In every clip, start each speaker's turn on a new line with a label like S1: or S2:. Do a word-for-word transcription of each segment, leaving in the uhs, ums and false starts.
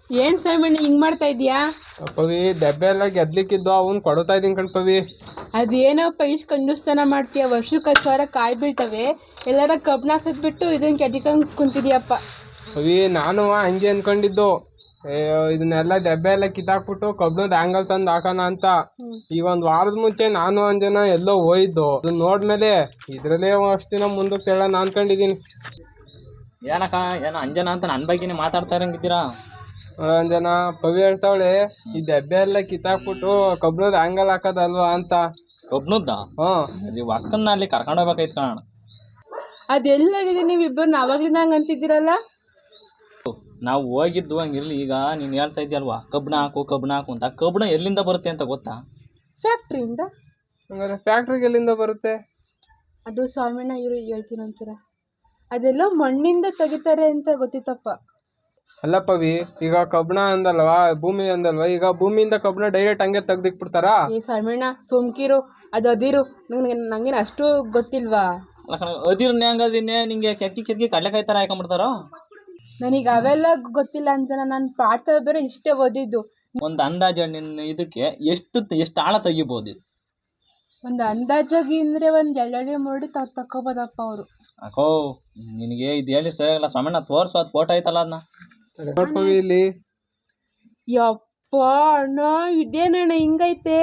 S1: ಏನ್ ಸ್ವಾಮಿ ಹಿಂಗ್ ಮಾಡ್ತಾ ಇದೀಯಾ?
S2: ಪವಿ ದೆಬ್ಬೆ ಎಲ್ಲ ಗೆದ್ಲಿಕ್ಕಿದ್ದು ಅವನ್ ಕೊಡ್ತಾ ಇದೀನಿ ಕಣ್ ಪವಿ.
S1: ಅದೇನಪ್ಪ ಇಷ್ಟು ಕಂಜೂಸ್ತನ ಮಾಡ್ತೀಯ? ವರ್ಷಕ್ಕೆ ಹತ್ತು ಸಾವಿರ ಕಾಯಿ ಬೀಳ್ತವೆ, ಎಲ್ಲಾರ ಕಬ್ನ ಸತ್ಬಿಟ್ಟು ಇದನ್ನ ಕೆದಿಕೊಂಡ್ ಕುಂತಿದ್ಯಪ್ಪ.
S2: ಪವಿ ನಾನು ಹಂಗೆ ಅನ್ಕೊಂಡಿದ್ದು, ಇದನ್ನೆಲ್ಲ ದೆಬ್ಬೆ ಎಲ್ಲ ಕಿತ್ತಾಕ್ಬಿಟ್ಟು ಕಬ್ನದ ಆಂಗಲ್ ತಂದು ಹಾಕೋಣ ಅಂತ. ಈಗ ಒಂದ್ ವಾರದ ಮುಂಚೆ ನಾನು ಅಂಜನ ಎಲ್ಲೋ ಹೋಯ್ದು, ಅದನ್ನ ನೋಡ್ಮೇಲೆ ಇದ್ರಲ್ಲೇ ಅಷ್ಟು ದಿನ ಮುಂದಕ್ಕೆ ಹೇಳೋಣ ಅನ್ಕೊಂಡಿದೀನಿ.
S3: ಏನಕ್ಕ ಏನೋ ಅಂಜನ ಅಂತ ನನ್ನ ಬಗ್ಗೆನೇ ಮಾತಾಡ್ತಾ ಇರಂಗಿದ್ದೀರಾ?
S2: ಅಂಜನ ಪವಿ ಹೇಳ್ತಾವಳೆ ಈ ದೆಬ್ಬೆ ಎಲ್ಲ ಕಿತ್ತಾಕ್ಬಿಟ್ಟು ಕಬ್ನದ ಆಂಗಲ್ ಹಾಕೋದಲ್ವಾ ಅಂತ.
S3: ಕಬ್ನದ್ದ? ಹ್ಮ್ ಅಕ್ಕನ್ನ ಅಲ್ಲಿ ಕರ್ಕೊಂಡು ಹೋಗ್ಬೇಕಾಯ್ತು ಕಾಣ.
S1: ಅದೆಲ್ಲಾಗಿದೆ ನೀವು ಇಬ್ಬರು ಅವಾಗ್ಲಿಂದ ಹಂಗ ಅಂತಿದ್ದೀರಲ್ಲ?
S3: ನಾವು ಹೋಗಿದ್ದು ಹಂಗಿರ್ಲಿ, ಈಗ ನೀನು ಹೇಳ್ತಾ ಇದ್ದೀಯಲ್ವಾ ಕಬ್ಣ ಹಾಕು ಕಬ್ಣ ಹಾಕು ಅಂತ. ಕಬ್ಣ ಎಲ್ಲಿಂದ ಬರುತ್ತೆ ಅಂತ ಗೊತ್ತಾ?
S1: ಫ್ಯಾಕ್ಟ್ರಿಯಿಂದ.
S2: ಹಂಗಾರೆ ಫ್ಯಾಕ್ಟ್ರಿಗೆ ಎಲ್ಲಿಂದ ಬರುತ್ತೆ?
S1: ಅದು ಸ್ವಾಮಿನ ಇವರು ಹೇಳ್ತೀನಿ ಒಂಚೂರ. ಅದೆಲ್ಲೋ ಮಣ್ಣಿಂದ ತೆಗಿತಾರೆ ಅಂತ ಗೊತ್ತಿತ್ತಪ್ಪ.
S2: ಅಲ್ಲ ಪವಿ, ಈಗ ಕಬ್ಣ ಅಂದಲ್ವಾ, ಭೂಮಿ ಅಂದಲ್ವಾ, ಈಗ ಭೂಮಿಯಿಂದ ಕಬ್ಣ ಡೈರೆಕ್ಟ್ ಹಂಗೆ ತೆಗ್ದಿಕ್ಬಿಡ್ತಾರಾ?
S1: ಏ ಸ್ವಾಮಿನ ಸೋಮ್ಕಿರು, ಅದು ಅದಿರು, ನಂಗೆ ನಂಗೇನು ಅಷ್ಟು ಗೊತ್ತಿಲ್ವಾ?
S3: ಅದಿರ್ನೇ ಹಂಗಾದ್ರೆ ನಿಂಗೆ ಕೆತ್ತಿ ಕೆತ್ತಿ ಕಡ್ಲೆಕಾಯಿ ಥರ ಹಾಕೊಂಡ್ಬಿಡ್ತಾರೋ?
S1: ನನಗೆ ಅವೆಲ್ಲ ಗೊತ್ತಿಲ್ಲ ಅಂತ, ನಾನು ಪಾಠ ಬೇರೆ ಇಷ್ಟೇ ಓದಿದ್ದು.
S3: ಒಂದು ಅಂದಾಜು ನಿನ್ನ ಇದಕ್ಕೆ ಎಷ್ಟು ಎಷ್ಟು ಆಳ ತೆಗಿಬೋದು?
S1: ಒಂದು ಅಂದಾಜಾಗಿ ಅಂದರೆ ಒಂದು ಎರಡಡಿ ಮೂರಡಿ ತ ತಕ್ಕೋಬೋದಪ್ಪ ಅವರು.
S3: ಅಕೋ ನಿನಗೆ ಇದು ಹೇಳಿ ಸರಿಯಾಗಲ್ಲ ಸ್ವಾಮಣ್ಣ, ತೋರಿಸು ಅದು ಫೋಟೋ ಐತಲ್ಲ ಅದನ್ನ.
S2: ಇಲ್ಲಿ
S1: ಯಪ್ಪ ಅಣ್ಣ, ಇದೇನಣ್ಣ ಹಿಂಗೈತೆ?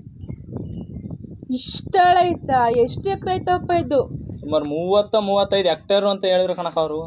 S1: ಇಷ್ಟಳ ಐತಾ? ಎಷ್ಟು ಎಕರೆ ಐತಪ್ಪ ಇದು?
S3: ಸುಮಾರು ಮೂವತ್ತ ಮೂವತ್ತೈದು ಹೆಕ್ಟೇರು ಅಂತ ಹೇಳಿದ್ರು ಕಣಕ ಅವರು.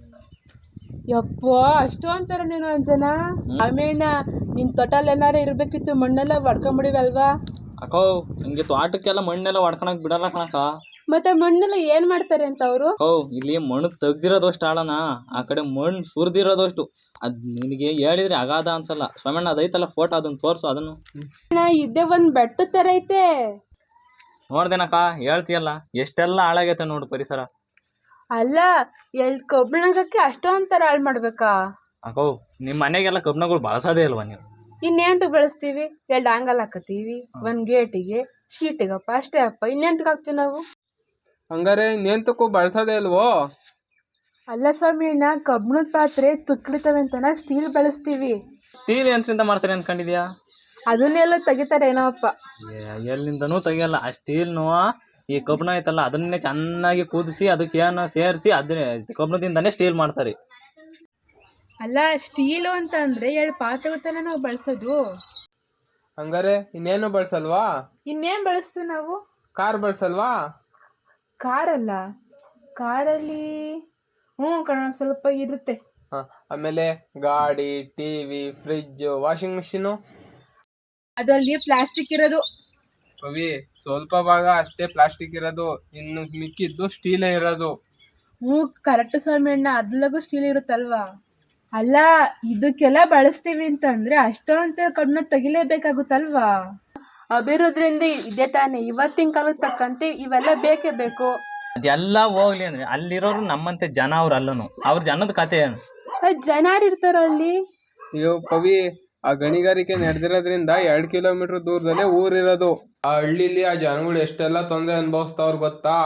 S1: ಯಪ್ಪ ಅಷ್ಟು ಅಂತಾರ ನೀನು ಅಂಜನ? ಆಮೇಲೆ ನಿನ್ ತೊಟಲ್ ಏನಾರ ಇರ್ಬೇಕಿತ್ತು, ಮಣ್ಣೆಲ್ಲ ಹೊಡ್ಕೊಂಬಿಡಿವಲ್ವಾ?
S3: ಅಕೋ ನಿಮ್ಗೆ ತೋಟಕ್ಕೆಲ್ಲ ಮಣ್ಣೆಲ್ಲ ಹೊಡ್ಕೊಳಕ್ ಬಿಡಲ್ಲ ಕಣಕ.
S1: ಮತ್ತೆ ಮಣ್ಣೆಲ್ಲ ಏನ್ ಮಾಡ್ತಾರೆ ಅಂತ ಅವರು?
S3: ಓ ಇಲ್ಲಿ ಮಣ್ಣು ತೆಗ್ದಿರೋದಷ್ಟು ಆಳನ, ಆ ಕಡೆ ಮಣ್ಣು ಸುರಿದಿರೋದಷ್ಟು. ಅದ್ ನಿನಗೆ ಹೇಳಿದ್ರೆ ಅಗಾಧ ಅನ್ಸಲ್ಲ ಸ್ವಾಮಣ್ಣ. ಅದೈತಲ್ಲ ಫೋಟೋ, ಅದನ್ನ ತೋರ್ಸು ಅದನ್ನು.
S1: ಇದ್ದೇ ಒಂದ್ ಬೆಟ್ಟ ತರ ಐತೆ.
S3: ನೋಡ್ದೇನಕ್ಕ ಹೇಳ್ತೀಯಲ್ಲ, ಎಷ್ಟೆಲ್ಲ ಹಾಳಾಗೈತೆ ನೋಡು ಪರಿಸರ.
S1: ಅಲ್ಲ ಎಲ್ ಕಬ್ಬಿಣಕ್ಕೆ ಅಷ್ಟೊಂದ್ ತರ ಹಾಳು ಮಾಡ್ಬೇಕಾ?
S3: ಅಕೋ ನಿಮ್ ಮನೆಗೆಲ್ಲ ಕಬ್ಬಿಣಗಳು ಬಳಸೋದೇ ಅಲ್ವಾ ನೀವು?
S1: ಇನ್ನೆಂತ ಬೆಳೆಸ್ತೀವಿ? ಎರಡು ಆಂಗಲ್ ಹಾಕತೀವಿ, ಒಂದ್ ಗೇಟಿಗೆ ಶೀಟಿಗಪ್ಪ, ಅಷ್ಟೇ ಅಪ್ಪ. ಇನ್ನೆಂತಕ್ಕೆ ಹಾಕ್ತೀವಿ ನಾವು?
S2: ಹಂಗಾರೆ ಇನ್ನೆಂತಕ್ಕೂ ಬಳಸೋದೇ ಅಲ್ವೋ?
S1: ಅಲ್ಲ ಸ್ವಾಮಿ, ನಾ ಕಬ್ಬಿಣದ ಪಾತ್ರೆ ತುಕ್ಳಿತವೆ ಅಂತ ಸ್ಟೀಲ್ ಬಳಸ್ತೀವಿ.
S3: ಸ್ಟೀಲ್ ಯಂತ್ರದಿಂದ ಮಾಡ್ತಾರೆ ಅನ್ಕೊಂಡಿದ್ಯಾ?
S1: ಅದನ್ನೆಲ್ಲ ತೆಗಿತಾರೆ ಏನೋ ಅಪ್ಪ.
S3: ಎಲ್ಲಿಂದನೂ ತೆಗಿಯಲ್ಲ. ಆ ಸ್ಟೀಲ್ನು ಈ ಕಬ್ಬಿಣ ಐತಲ್ಲ ಅದನ್ನೇ ಚೆನ್ನಾಗಿ ಕುದಿಸಿ ಅದಕ್ಕೆ ಏನು ಸೇರಿಸಿ ಅದನ್ನೇ ಕಬ್ಬಿಣದಿಂದನೇ ಸ್ಟೀಲ್ ಮಾಡ್ತಾರೆ.
S1: ಅಲ್ಲ ಸ್ಟೀಲು ಅಂತ ಅಂದ್ರೆ ಎರಡು ಪಾತ್ರೆಗಳ ತಾನೇ ನಾವು ಬಳಸೋದು.
S2: ಹಂಗಾರೆ ಇನ್ನೇನು ಬಳಸಲ್ವಾ?
S1: ಇನ್ನೇನ್ ಬಳಸ್ತೀವಿ ನಾವು?
S2: ಕಾರ್ ಬಳಸಲ್ವಾ?
S1: ಕಾರಲ್ಲ, ಕಾರಲ್ಲಿ ಹ್ಞೂ ಕಣ ಸ್ವಲ್ಪ ಇರುತ್ತೆ.
S2: ಆಮೇಲೆ ಗಾಡಿ, ಟಿವಿ, ಫ್ರಿಜ್, ವಾಷಿಂಗ್ ಮಿಷಿನು
S1: ಅದರಲ್ಲಿ ಪ್ಲಾಸ್ಟಿಕ್ ಇರೋದು.
S2: ಪವಿ ಸ್ವಲ್ಪ ಭಾಗ ಅಷ್ಟೇ ಪ್ಲಾಸ್ಟಿಕ್ ಇರೋದು, ಇನ್ನು ಮಿಕ್ಕಿದ್ದು ಸ್ಟೀಲೇ ಇರೋದು.
S1: ಹ್ಞೂ ಕರೆಕ್ಟ್ ಸ್ವಾಮಿ ಅಣ್ಣ, ಅದ್ರಲ್ಲೂ ಸ್ಟೀಲ್ ಇರುತ್ತಲ್ವಾ? ಅಲ್ಲ ಇದಕ್ಕೆಲ್ಲ ಬಳಸ್ತೀವಿ ಅಂತಂದ್ರೆ ಅಷ್ಟೊಂತ ಕಬ್ಬಿಣ ತೆಗಿಲೇಬೇಕಾಗುತ್ತಲ್ವಾ? ಅಭಿವೃದ್ಧಿಯಿಂದ ಇದೇ ತಾನೆ, ಇವತ್ತಿನ ಕಾಲಕ್ಕೆ ತಕ್ಕಂತೆ ಇವೆಲ್ಲ ಬೇಕೇ ಬೇಕು.
S3: ಅದೆಲ್ಲ ಹೋಗ್ಲಿ ಅಂದ್ರೆ ಅಲ್ಲಿರೋರು ನಮ್ಮಂತೆ ಜನ, ಅವ್ರು ಅಲ್ಲನು ಅವ್ರ ಜನದ ಕತೆ ಏನು?
S1: ಜನ ಇರ್ತಾರ ಅಲ್ಲಿ.
S2: ಅಯ್ಯೋ ಪವಿ, ಆ ಗಣಿಗಾರಿಕೆ ನಡೆದಿರೋದ್ರಿಂದ ಎರಡ್ ಕಿಲೋಮೀಟರ್ ದೂರದಲ್ಲೇ ಊರಿರೋದು. ಆ ಹಳ್ಳಿಲಿ ಆ ಜನಗಳು ಎಷ್ಟೆಲ್ಲ ತೊಂದರೆ ಅನುಭವಿಸ್ತಾವ್ರ ಗೊತ್ತಾ?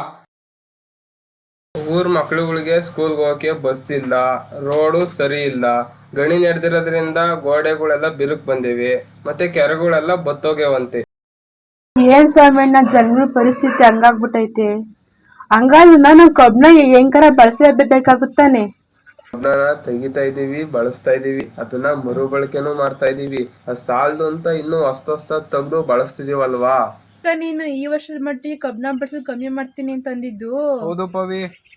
S2: ಊರ್ ಮಕ್ಳುಗಳಿಗೆ ಸ್ಕೂಲ್ಗೆ ಹೋಗಕ್ಕೆ ಬಸ್ ಇಲ್ಲ, ರೋಡು ಸರಿ ಇಲ್ಲ, ಗಣಿ ನಡೆದಿರೋದ್ರಿಂದ ಗೋಡೆಗಳೆಲ್ಲ ಬಿರುಕು ಬಂದಿವೆ, ಮತ್ತೆ ಕೆರೆಗಳೆಲ್ಲ ಬತ್ತೋಗ್ಯವಂತೆ.
S1: ಏನ್ ಸ್ವಾಮಣ್ಣ ಜನಗಳ ಪರಿಸ್ಥಿತಿ ಹಂಗಾಗ್ಬಿಟ್ಟೈತೆ. ಹಂಗಾದ್ರೆ ನಾವು ಕಬ್ಬಿಣ ಹೆಂಗಾರ ಬಳಸಲೇಬೇಕಾಗುತ್ತಾನೆ.
S2: ಕಬ್ಬಿಣ ತೆಗಿತಾ ಇದೀವಿ, ಬಳಸ್ತಾ ಇದೀವಿ, ಅದನ್ನ ಮರುಬಳಕೆನೂ ಮಾಡ್ತಾ ಇದೀವಿ. ಅದ್ ಸಾಲದು ಅಂತ ಇನ್ನು ಹೊಸ್ತ ಹೊಸ್ತ ತೆಗ್ದು ಬಳಸ್ತಿದೀವಲ್ವಾ?
S1: ನೀನು ಈ ವರ್ಷದ ಮಟ್ಟಿಗೆ ಕಬ್ಬಿಣ ಬಳಸೋದು ಕಮ್ಮಿ ಮಾಡ್ತೀನಿ ಅಂತ ಅಂದಿದ್ದು.
S2: ಹೌದು ಪವಿ.